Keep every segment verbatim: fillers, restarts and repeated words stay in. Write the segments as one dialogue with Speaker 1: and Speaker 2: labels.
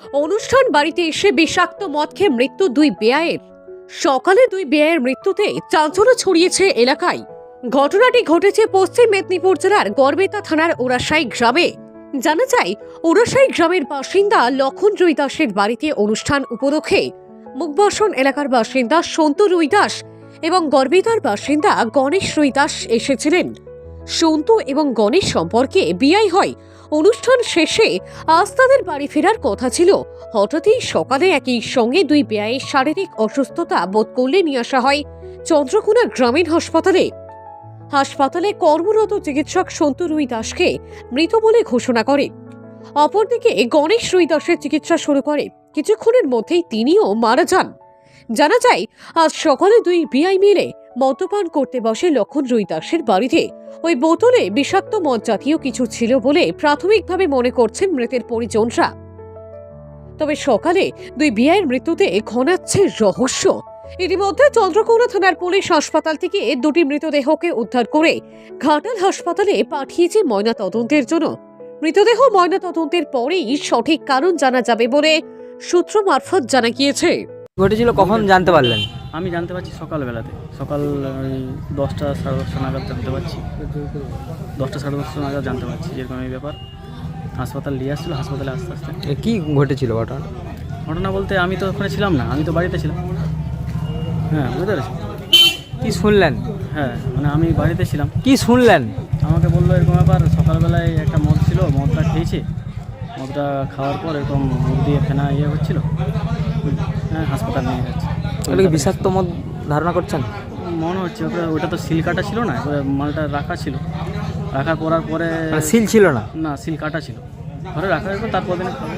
Speaker 1: অনুষ্ঠান বাড়িতে এসে বিষাক্ত মদ খেয়ে মৃত্যু দুই বেয়ায়ের। সকালে দুই বেয়ায়ের মৃত্যুতে চাঞ্চল্য ছড়িয়েছে এলাকায়। ঘটনাটি ঘটেছে পশ্চিম মেদিনীপুর জেলার গড়বেতা থানার ওরাশাই গ্রামে। জানা যায়, ওরাশাই গ্রামের বাসিন্দা লক্ষণ রুইদাসের বাড়িতে অনুষ্ঠান উপলক্ষে মুখবসন এলাকার বাসিন্দা সন্তু রুইদাস এবং গড়বেতার বাসিন্দা গণেশ রুইদাস এসেছিলেন। সন্তু এবং গণেশ সম্পর্কে বিয়ে হয়। অনুষ্ঠান শেষে আজ তাদের বাড়ি ফেরার কথা ছিল। হঠাৎই সকালে একই সঙ্গে দুই বেয়ায়ের শারীরিক অসুস্থতা বোধ করলে নিয়ে আসা হয় চন্দ্রকোনা গ্রামীণ হাসপাতালে। হাসপাতালে কর্মরত চিকিৎসক সন্তু রুইদাসকে মৃত বলে ঘোষণা করে। অপরদিকে গণেশ রুইদাসের চিকিৎসা শুরু করে। কিছুক্ষণের মধ্যেই তিনিও মারা যান। জানা যায়, আজ সকালে দুই বিআই মিলে মদ্যপান করতে বসে লক্ষণ রুইদাসের বাড়িতে। ওই বোতলে বিষাক্ত মদ জাতীয় কিছু ছিল বলে প্রাথমিকভাবে মনে করছেন মৃতের পরিজনরা। তবে সকালে দুই বিআইয়ের মৃত্যুতে ঘনাচ্ছে রহস্য। ইতিমধ্যে চন্দ্রকোনা থানার পুলিশ হাসপাতাল থেকে দুটি মৃতদেহকে উদ্ধার করে ঘাটাল হাসপাতালে পাঠিয়েছে ময়না তদন্তের জন্য। মৃতদেহ ময়না তদন্তের পরেই সঠিক কারণ জানা যাবে বলে সূত্র মারফত জানা গিয়েছে।
Speaker 2: ঘটেছিল কখন জানতে পারলেন?
Speaker 3: আমি জানতে পারছি সকালবেলাতে, সকাল ওই দশটা সাড়ে দশটা নাগাদ জানতে পারছি দশটা সাড়ে দশটা নাগাদ জানতে পারছি যেরকম এই ব্যাপার। হাসপাতাল নিয়ে আসছিলো, হাসপাতালে আস্তে আস্তে
Speaker 2: এ কি ঘটেছিল ঘটনা?
Speaker 3: ঘটনা বলতে আমি তো ওখানে ছিলাম না, আমি তো বাড়িতে ছিলাম। হ্যাঁ, বুঝতে পেরেছি।
Speaker 2: কি শুনলেন?
Speaker 3: হ্যাঁ, মানে আমি বাড়িতে ছিলাম।
Speaker 2: কি শুনলেন?
Speaker 3: আমাকে বললো এরকম ব্যাপার, সকালবেলায় একটা মদ ছিল, মদটা খেয়েছি, মদটা খাওয়ার পর এরকম মুখ দিয়ে ফেনা ইয়ে হচ্ছিলো। হ্যাঁ, হাসপাতাল নিয়ে যাচ্ছে।
Speaker 2: ওটা কি বিষাক্ত মদ ধারণা করছেন?
Speaker 3: মনে হচ্ছে ওটা ওটা তো সিল কাটা ছিল না, ওটা মালটা রাখা ছিল। রাখার পরার পরে
Speaker 2: মানে সিল ছিল না?
Speaker 3: না, সিল কাটা ছিল। ঘরে রাখার পর তারপর দিনে খাবে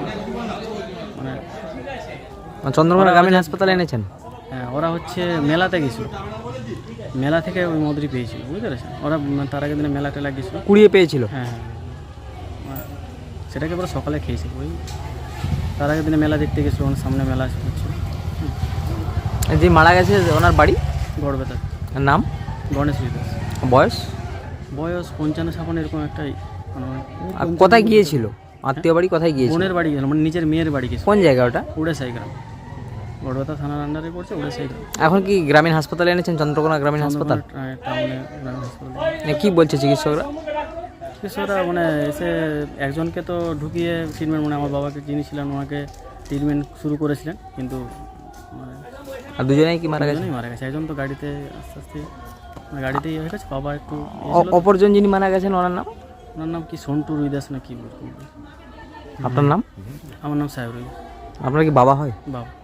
Speaker 3: মানে
Speaker 2: চন্দ্রকোনা গ্রামীণ হাসপাতালে এনেছেন?
Speaker 3: হ্যাঁ, ওরা হচ্ছে মেলাতে গেছিলো, মেলা থেকে ওই মদরি পেয়েছিল, বুঝতে পেরেছেন। ওরা তার আগের দিনে মেলা টেলা গেছিলো,
Speaker 2: কুড়িয়ে পেয়েছিল।
Speaker 3: হ্যাঁ হ্যাঁ, সেটাকে পরে সকালে খেয়েছিল। ওই তার আগের দিনে মেলা দেখতে গেছিলো, ওনার সামনে মেলা হচ্ছিল।
Speaker 2: যে মারা গেছে ওনার বাড়ি
Speaker 3: গড়বেতা।
Speaker 2: নাম?
Speaker 3: গণেশ রুইদাস।
Speaker 2: বয়স?
Speaker 3: বয়স পঞ্চান্ন ছাপান্ন এরকম একটাই। মানে
Speaker 2: আর কোথায় গিয়েছিল? আত্মীয় বাড়ি কোথায় গিয়েছিল?
Speaker 3: বোনের বাড়ি গেছিল, মানে নিজের মেয়ের বাড়ি গেছিল।
Speaker 2: কোন জায়গা ওটা?
Speaker 3: উড়েসাই গ্রাম, গড়বেতা থানার আন্ডারে পড়ছে উড়েসাই গ্রাম।
Speaker 2: এখন কি গ্রামীণ হাসপাতালে এনেছেন? চন্দ্রকোনা গ্রামীণ হাসপাতাল
Speaker 3: টাউনে গ্রামীণ হাসপাতাল।
Speaker 2: কি বলছে চিকিৎসকরা?
Speaker 3: চিকিৎসকরা মানে এসে একজনকে তো ঢুকিয়ে ট্রিটমেন্ট, মানে আমার বাবাকে যিনি ছিলেন ওনাকে ট্রিটমেন্ট শুরু করেছিলেন, কিন্তু মানে
Speaker 2: আর দুজনেই কি মারা গেছে?
Speaker 3: দুজনেই মারা গেছে। একজন তো গাড়িতে আস্তে আস্তে মানে গাড়িতেই হয়ে গেছে, বাবা একটু।
Speaker 2: অপরজন যিনি মারা গেছেন ওনার নাম?
Speaker 3: ওনার নাম কি সন্টু রুইদাস না কি বলবো।
Speaker 2: আপনার নাম?
Speaker 3: আমার নাম সাহেব রুইদাস।
Speaker 2: আপনার কি বাবা হয়?
Speaker 3: বাবা।